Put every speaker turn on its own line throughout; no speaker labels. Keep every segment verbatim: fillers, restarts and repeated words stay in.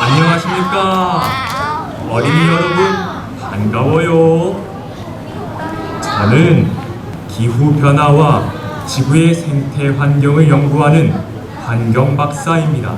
안녕하십니까. 어린이 여러분, 반가워요. 저는 기후변화와 지구의 생태 환경을 연구하는 환경박사입니다.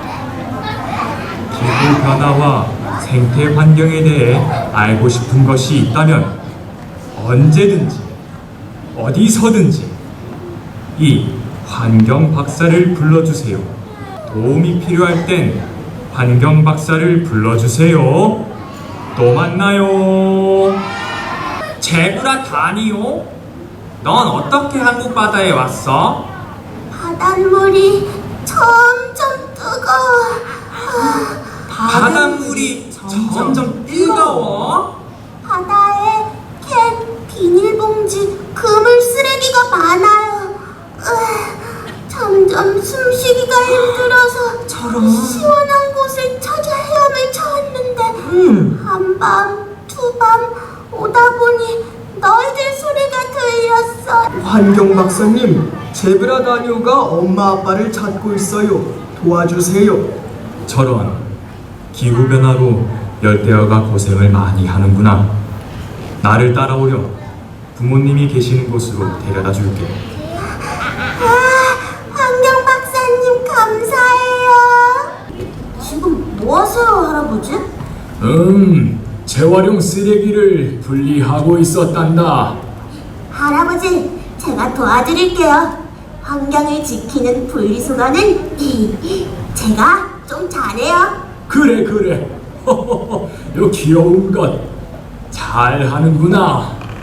기후변화와 생태 환경에 대해 알고 싶은 것이 있다면 언제든지 어디서든지 이 환경박사를 불러주세요. 도움이 필요할 땐 환경박사를 불러주세요. 또 만나요. 제브라 다니오? 넌 어떻게 한국 바다에 왔어?
바닷물이 점점 뜨거워. 아,
바닷물이 점점 뜨거워?
바다에 캔, 비닐봉지, 그물 쓰레기가 많아요. 으, 점점 숨쉬기가 힘들어서
저런.
시원한 곳을 찾아 헤엄을 쳤는데
음.
한밤, 두밤 오다 보니 너희들 소리가 들렸어.
환경 박사님, 제브라 다니오가 엄마 아빠를 찾고 있어요. 도와주세요.
저런, 기후변화로 열대어가 고생을 많이 하는구나. 나를 따라오렴. 부모님이 계시는 곳으로 데려다 줄게.
아, 환경 박사님 감사해요. 지금 뭐 하세요, 할아버지?
음, 재활용 쓰레기를 분리하고 있었단다.
할아버지, 제가 도와드릴게요. 환경을 지키는 분리수거는 제가 좀 잘해요.
그래 그래. 요 귀여운 것 잘하는구나.